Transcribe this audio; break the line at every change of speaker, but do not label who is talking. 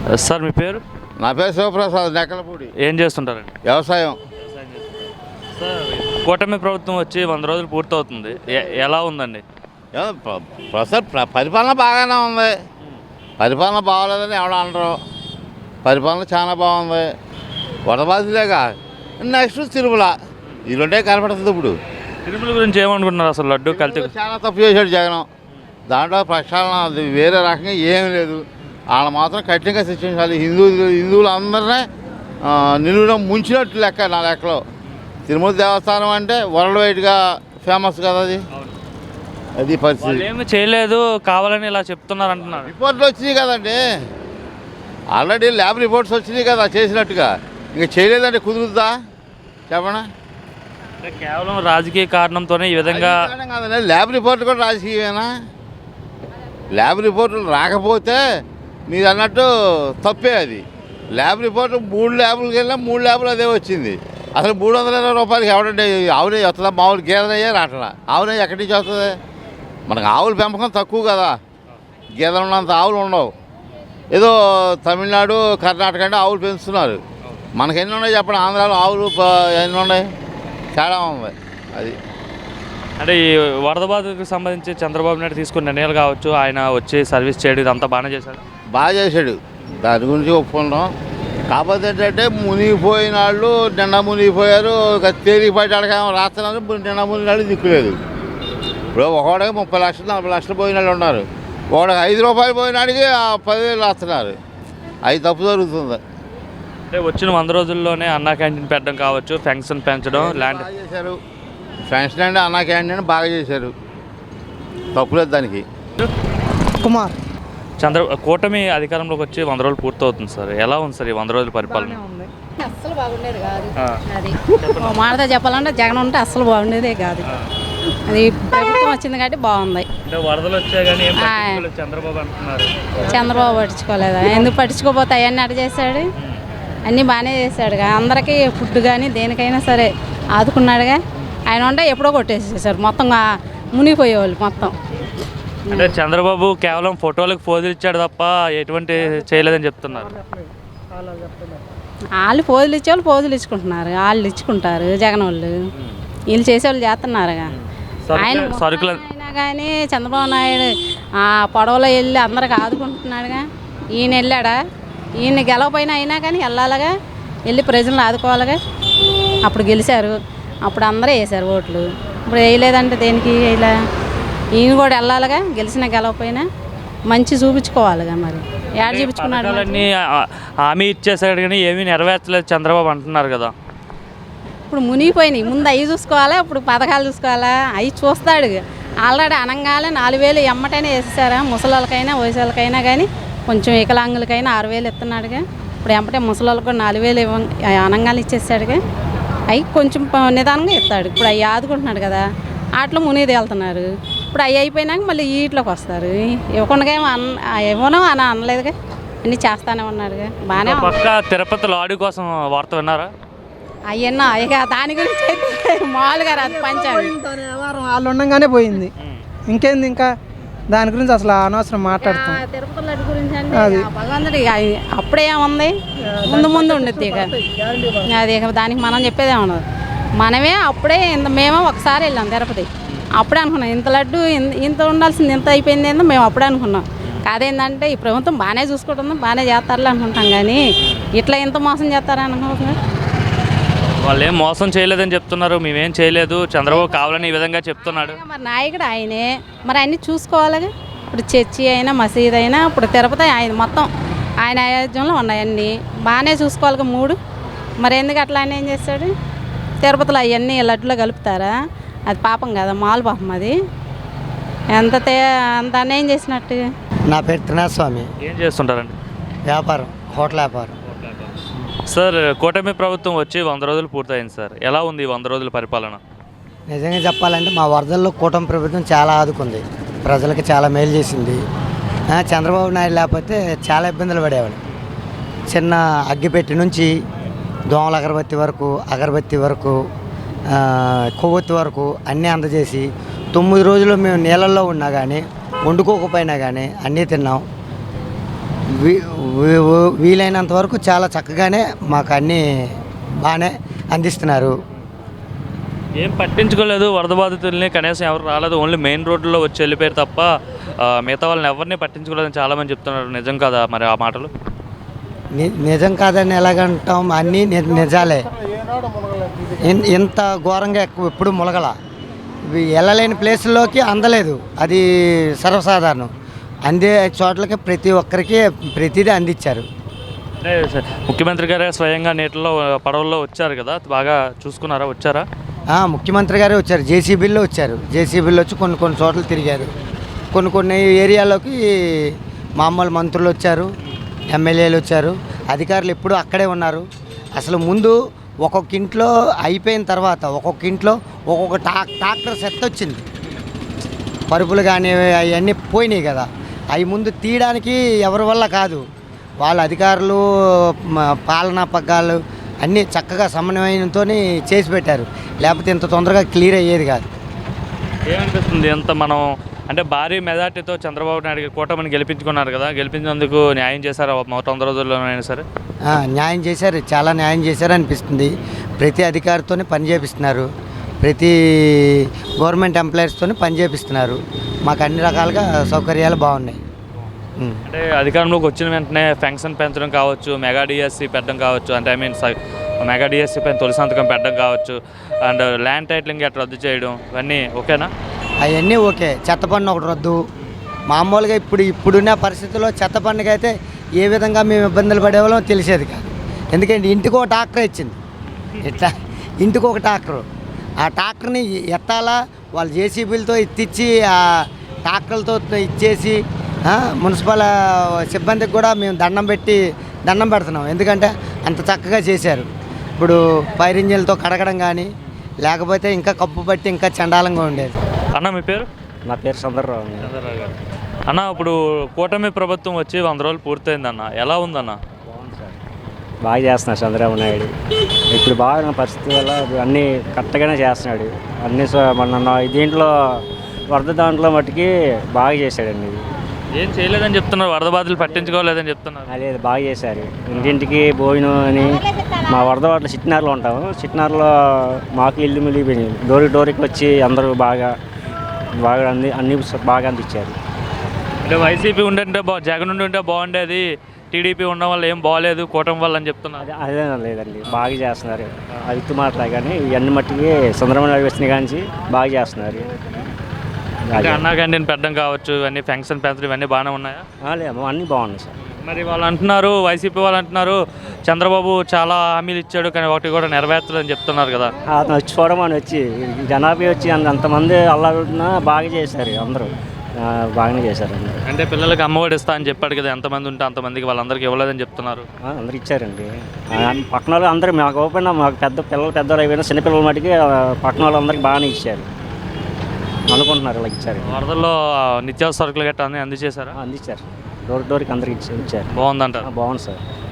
Sir మీ పేరు?
నా పేరు శివప్రసాద్, నెక్కలపూడి.
ఏం చేస్తుంటారండి?
వ్యవసాయం.
సార్ కూటమి ప్రభుత్వం వచ్చి 100 రోజులు పూర్తవుతుంది, ఎలా ఉందండి?
ప్రస్తుతం పరిపాలన బాగానే ఉంది. పరిపాలన బాగోలేదని ఎవడ అనరు. పరిపాలన చాలా బాగుంది. వడబాదిలేగా నెక్స్ట్ తిరుమల, ఈ రెండే కనపడుతుంది. ఇప్పుడు
తిరుమల గురించి ఏమనుకుంటున్నారు? అసలు లడ్డు కల్తీ
చాలా తప్పు చేశాడు జగన్. దాంట్లో ప్రక్షాళన అది వేరే రకంగా ఏం లేదు. వాళ్ళు మాత్రం కఠినంగా శిక్షించాలి. హిందువులు అందరినీ నిలువున ముంచినట్టు లెక్క నా లెక్కలో. తిరుమల దేవస్థానం అంటే వరల్డ్ వైడ్గా ఫేమస్ కదా. అది పరిస్థితి.
ఏమి చేయలేదు, కావాలని ఇలా చెప్తున్నారు అంటున్నారు.
రిపోర్ట్లు వచ్చినాయి కదండి, ఆల్రెడీ ల్యాబ్ రిపోర్ట్స్ వచ్చినాయి కదా చేసినట్టుగా. ఇంకా చేయలేదంటే కుదురుద్దా చెప్పనా?
కేవలం రాజకీయ కారణంతోనే ఈ విధంగా
కాదండి. ల్యాబ్ రిపోర్ట్ కూడా రాజకీయమేనా? ల్యాబ్ రిపోర్ట్లు రాకపోతే మీరు అన్నట్టు తప్పే అది. ల్యాబ్ రిపోర్ట్ 3 ల్యాబులకి వెళ్ళినా 3 ల్యాబులు అదే వచ్చింది. అసలు 320 రూపాయలకి ఎవడండి ఆవునే వస్తుందా? మామూలు గేదెనయ్యే రావట్లా. ఆవునే ఎక్కడి నుంచి వస్తుంది? మనకు ఆవుల పెంపకం తక్కువ కదా, గేదెలు ఉన్నంత ఆవులు ఉండవు. ఏదో తమిళనాడు కర్ణాటక అంటే ఆవులు పెంచుతున్నారు. మనకు ఎన్ని ఉన్నాయి చెప్పండి? ఆంధ్రాలో ఆవులు ఎన్ని ఉన్నాయి? తేడా ఉంది. అది
అంటే ఈ వరద బాధకు సంబంధించి చంద్రబాబు నాయుడు తీసుకున్న నిర్ణయాలు కావచ్చు, ఆయన వచ్చి సర్వీస్ చేయడం ఇదంతా బాగానే చేశాడు.
బాగా చేశాడు, దాని గురించి ఒప్పుకుంటాం. కాకపోతే ఏంటంటే మునిగిపోయిన వాళ్ళు నిండా మునిగిపోయారు. తేలికపాటి అడగ రాస్తున్నారు. నిండా మునిగినాళ్ళు దిక్కులేదు. ఇప్పుడు ఒకడికి 30 లక్షలు 40 లక్షలు పోయిన వాళ్ళు ఉన్నారు. ఒకడికి 5 రూపాయలు పోయినాడికి 10,000 రాస్తున్నారు. అది తప్పు జరుగుతుంది.
అంటే వచ్చిన 100 రోజుల్లోనే అన్నా క్యాంటీన్ పెట్టడం కావచ్చు, పెన్షన్ పెంచడం, ల్యాండ్
చేశారు. పెన్షన్ అంటే అన్నా క్యాంటీన్ బాగా చేశారు, తప్పులేదు దానికి.
కుమార్.
కూటమి అధికారంలోకి వచ్చి 100 రోజులు పూర్తవుతుంది సార్, ఎలా ఉంది సార్ ఈ 100 రోజుల పరిపాలన?
అస్సలు బాగుండేది కాదు. అది మాటతో చెప్పాలంటే జగన్ ఉంటే అస్సలు బాగుండేదే కాదు. అది ప్రభుత్వం వచ్చింది కాబట్టి బాగుంది.
అంటే వరదలు వచ్చాయి కానీ చంద్రబాబు అంటున్నారు.
చంద్రబాబు పట్టించుకోలేదా? ఎందుకు పట్టించుకోపోతే అవన్నీ అటు చేశాడు, అన్నీ బాగానే చేశాడుగా. అందరికీ ఫుడ్ కానీ దేనికైనా సరే ఆదుకున్నాడుగా. ఆయన ఉంటే ఎప్పుడో కొట్టేసేసారు మొత్తం, మునిగిపోయేవాళ్ళు మొత్తం.
అంటే చంద్రబాబు కేవలం ఫోటోలకు పోజులు ఇచ్చాడు తప్ప ఎటువంటి చేయలేదని చెప్తున్నారు.
వాళ్ళు పోజులు ఇచ్చేవాళ్ళు పోజులు ఇచ్చుకుంటున్నారు, వాళ్ళు ఇచ్చుకుంటారు జగన్ వాళ్ళు. వీళ్ళు చేసేవాళ్ళు చేస్తున్నారుగా. ఆయన అయినా కానీ చంద్రబాబు నాయుడు పడవలో వెళ్ళి అందరికి ఆదుకుంటున్నాడుగా. ఈయన వెళ్ళాడా? ఈయన గెలవపోయినా అయినా కానీ వెళ్ళాలిగా, వెళ్ళి ప్రజలను ఆదుకోవాలిగా. అప్పుడు గెలిచారు, అప్పుడు అందరూ వేసారు ఓట్లు. ఇప్పుడు వేయలేదంటే దేనికి వేయలే? ఈయన కూడా వెళ్ళాలిగా, గెలిచినా గెలవపోయినా మంచి చూపించుకోవాలిగా. మరి ఏడ చూపించుకున్నాడు?
హామీ ఇచ్చేసాడు కానీ ఏమీ నెరవేర్చలేదు చంద్రబాబు అంటున్నారు కదా.
ఇప్పుడు మునిగిపోయినాయి, ముందు అవి చూసుకోవాలా, ఇప్పుడు పథకాలు చూసుకోవాలా? అవి చూస్తాడు. ఆల్రెడీ అనంగానే 4,000 ఎమ్మటైనా వేసేసారా? ముసలాళ్ళకైనా వయసులకైనా కానీ, కొంచెం వికలాంగులకైనా 6,000 ఇస్తున్నాడుగా. ఇప్పుడు ఎంపటే ముసలాళ్ళకు కూడా 4,000 అనంగానే ఇచ్చేసాడుగా. అవి కొంచెం నిదానంగా ఇస్తాడు. ఇప్పుడు అవి ఆదుకుంటున్నాడు కదా, వాటిలో మునిది వెళ్తున్నారు. ఇప్పుడు అవి అయిపోయినాక మళ్ళీ వీటిలోకి వస్తారు. ఇవ్వకుండా ఇవ్వను అని అనలేదుగా, అన్నీ చేస్తానే ఉన్నాడుగా. బాగానే
పక్క తిరుపతి లాడీ కోసం వార్త విన్నారా?
అవన్నా ఇక దాని గురించి అయితే మామూలుగా రాదు. పంచాలి
వాళ్ళు ఉండగానే పోయింది, ఇంకేంది ఇంకా దాని గురించి అసలు అనవసరం మాట్లాడుతాం.
తిరుపతి లడ్డు గురించి అంటే భగవంతుడి అప్పుడే ఏముంది, ముందు ముందు ఉండిద్ది. ఇక అది ఇక దానికి మనం చెప్పేదే ఉండదు. మనమే అప్పుడే మేము ఒకసారి వెళ్ళాం తిరుపతి, అప్పుడే అనుకున్నాం ఇంత లడ్డు ఇంత ఉండాల్సింది ఇంత అయిపోయింది ఏందో మేము అప్పుడే అనుకున్నాం. కాదేంటంటే ఈ ప్రభుత్వం బాగానే చూసుకుంటుంది, బాగానే చేస్తారులే అనుకుంటాం. కానీ ఇట్లా ఇంత మోసం చేస్తారని అనుకుంటున్నారు.
వాళ్ళు ఏం మోసం చేయలేదని చెప్తున్నారు, మేమేం చేయలేదు, చంద్రబాబు కావాలని ఈ విధంగా చెప్తున్నాడు.
మరి నాయకుడు ఆయనే, మరి అన్నీ చూసుకోవాలిగా. ఇప్పుడు చర్చి అయినా మసీద్ అయినా ఇప్పుడు తిరుపతి ఆయన మొత్తం ఆయన ఆయోజనంలో ఉన్నాయన్నీ బాగానే చూసుకోవాలిగా 3. మరి ఎందుకు అట్లా ఆయన ఏం చేస్తాడు? తిరుపతిలో అవన్నీ లడ్డులో కలుపుతారా? అది పాపం కదా, మాలు పాపం. అది ఎంత అంత అన్యాయం చేసినట్టు.
నా పేరు త్రినాథస్వామి.
ఏం చేస్తుంటారండి?
వ్యాపారం, హోటల్ వ్యాపారం.
సార్ కూటమి ప్రభుత్వం వచ్చి 100 రోజులు పూర్తయింది సార్, ఎలా ఉంది 100 రోజుల పరిపాలన?
నిజంగా చెప్పాలంటే మా వరదల్లో కూటమి ప్రభుత్వం చాలా ఆదుకుంది, ప్రజలకు చాలా మేలు చేసింది. చంద్రబాబు నాయుడు లేకపోతే చాలా ఇబ్బందులు పడేవాడు. చిన్న అగ్గిపెట్టి నుంచి దోమల అగరబత్తి వరకు కొవ్వొత్తి వరకు అన్నీ అందజేసి 9 రోజులు మేము నీళ్ళల్లో ఉన్నా కానీ వండుకోకపోయినా కానీ అన్నీ తిన్నాం. వీలైనంత వరకు చాలా చక్కగానే మాకు అన్నీ బాగానే అందిస్తున్నారు.
ఏం పట్టించుకోలేదు వరద బాధితుల్ని, కనీసం ఎవరు రాలేదు, ఓన్లీ మెయిన్ రోడ్లో వచ్చి వెళ్ళిపోయారు తప్ప మిగతా వాళ్ళని ఎవరిని పట్టించుకోలేదని చాలామంది చెప్తున్నారు. నిజం కదా మరి ఆ మాటలు?
నిజం కాదని ఎలాగంటాం, అన్నీ నిజాలే. ఇంత ఘోరంగా ఎప్పుడు ములగల, వెళ్ళలేని ప్లేసుల్లోకి అందలేదు, అది సర్వసాధారణం. అందే చోట్లకి ప్రతి ఒక్కరికి ప్రతిదీ అందించారు.
ముఖ్యమంత్రి గారే స్వయంగా నీటిలో పడవల్లో వచ్చారు కదా, బాగా చూసుకున్నారా? వచ్చారా?
ముఖ్యమంత్రి గారే వచ్చారు, జేసీబీల్లో వచ్చారు. జేసీబీల్లో వచ్చి కొన్ని చోట్ల తిరిగారు. కొన్ని ఏరియాలోకి మామూలు మంత్రులు వచ్చారు, ఎమ్మెల్యేలు వచ్చారు, అధికారులు ఎప్పుడూ అక్కడే ఉన్నారు. అసలు ముందు ఒక్కొక్క ఇంట్లో అయిపోయిన తర్వాత ఒక్కొక్క ఇంట్లో ఒక్కొక్క ట్రాక్టర్ సెట్ వచ్చింది. పరుపులు కానీ అవన్నీ పోయినాయి కదా, అవి ముందు తీయడానికి ఎవరి వల్ల కాదు, వాళ్ళ అధికారులు పాలనా పగ్గాలు అన్నీ చక్కగా సమన్వయంతో చేసి పెట్టారు. లేకపోతే ఇంత తొందరగా క్లియర్ అయ్యేది కాదు.
ఏమనిపిస్తుంది ఎంత మనం అంటే భారీ మెజార్టీతో చంద్రబాబు నాయుడు కూటమిని గెలిపించుకున్నారు కదా, గెలిపించినందుకు న్యాయం చేశారు 100 రోజుల్లోనైనా సరే?
న్యాయం చేశారు, చాలా న్యాయం చేశారు అనిపిస్తుంది. ప్రతి అధికారితోనే పని చేపిస్తున్నారు, ప్రతి గవర్నమెంట్ ఎంప్లాయీస్తోనే పని చేపిస్తున్నారు. మాకు అన్ని రకాలుగా సౌకర్యాలు బాగున్నాయి.
అంటే అధికారంలోకి వచ్చిన వెంటనే పెన్షన్ పెంచడం కావచ్చు, మెగా డిఎస్సి పెట్టడం కావచ్చు, అంటే ఐ మీన్ మెగా డిఎస్సి పైన తొలి సంతకం పెట్టడం కావచ్చు, అండ్ ల్యాండ్ టైటిలింగ్ అట్లా రద్దు చేయడం, ఇవన్నీ ఓకేనా?
అవన్నీ ఓకే. చెత్త పన్ను ఒకటి రద్దు. మామూలుగా ఇప్పుడున్న పరిస్థితుల్లో చెత్త పన్నుకి అయితే ఏ విధంగా మేము ఇబ్బందులు పడేవాళ్ళం తెలిసేది కాదు. ఎందుకంటే ఇంటికి ఒక ట్రాక్టర్ ఇచ్చింది, ఇట్లా ఇంటికి ఒక ట్రాక్టరు. ఆ ట్రాక్టర్ని ఎత్తాలా, వాళ్ళు జేసీబీలతో ఎత్తిచ్చి ఆ ట్రాక్టర్లతో ఇచ్చేసి మున్సిపల్ సిబ్బందికి కూడా మేము దండం పెడుతున్నాం. ఎందుకంటే అంత చక్కగా చేశారు. ఇప్పుడు ఫైర్ ఇంజిన్లతో కడగడం కానీ, లేకపోతే ఇంకా కప్పు పట్టి ఇంకా చండాలంగా ఉండేది.
అన్న మీ పేరు?
నా పేరు చంద్రరావు.
గారు అన్న, ఇప్పుడు కూటమి ప్రభుత్వం వచ్చి 100 రోజులు పూర్తయిందన్న, ఎలా ఉందన్న?
బాగుంది సార్, బాగా చేస్తున్నాడు చంద్రబాబు నాయుడు. ఇప్పుడు బాగా పరిస్థితి వల్ల అన్నీ కరెక్ట్గానే చేస్తున్నాడు. అన్నీ మన దీంట్లో వరద దాంట్లో మట్టుకి బాగా చేశాడండి.
ఏం చేయలేదని చెప్తున్నారు, వరద బాధలు పట్టించుకోలేదని చెప్తున్నారు.
లేదు, బాగా చేశారు. ఇంటింటికి భోజనం అని. మా వరద వాటిలో చిట్నారులో ఉంటాము, చిట్నారులో మాకు ఇల్లు మిలిగిపోయినాయి. డోరికి వచ్చి అందరూ బాగా అన్ని బాగా అందించారు.
అంటే వైసీపీ ఉండంటే జగన్ ఉంటే బాగుండేది, టీడీపీ ఉండడం వల్ల ఏం బాగలేదు, కూటమి వల్ల అని చెప్తున్నారు.
అదే లేదండి, బాగా చేస్తున్నారు. అవిత్తు మాటలే కానీ ఇవన్నీ మట్టికి చంద్రబాబు నాయుడు వచ్చిన కానీ బాగా చేస్తున్నారు.
అన్నా క్యాంటీన్ పెట్టడం కావచ్చు, ఇవన్నీ పెన్షన్ పెంచడం ఇవన్నీ బాగానే ఉన్నాయా?
లేదు, అన్నీ బాగున్నాయి సార్.
మరి వాళ్ళు అంటున్నారు, వైసీపీ వాళ్ళు అంటున్నారు చంద్రబాబు చాలా హామీలు ఇచ్చాడు కానీ ఒకటి కూడా నెరవేర్చలేదని చెప్తున్నారు కదా.
అతను వచ్చిపోవడం అని వచ్చి జనాభా వచ్చి అంతమంది అల్లాడుతున్నా బాగా చేశారు, అందరూ బాగానే చేశారు.
అంటే పిల్లలకి అమ్మఒడి ఇస్తా అని చెప్పాడు కదా, ఎంతమంది ఉంటే అంతమందికి వాళ్ళందరికీ ఇవ్వలేదని చెప్తున్నారు.
అందరు ఇచ్చారండి. పక్కన వాళ్ళు అందరూ మాకు ఓపెన్ మాకు పెద్దలు అయిపోయినా చిన్నపిల్లల మటుకి పక్కన వాళ్ళందరికీ బాగానే ఇచ్చారు అనుకుంటున్నారు. ఇలా ఇచ్చారు.
వరదల్లో నిత్యావసర సరుకులు గట్టా అన్నీ అందజేశారా?
అందించారు, డోర్కి అందరికి ఇచ్చారు.
బాగుందంటారు?
బాగుంది సార్.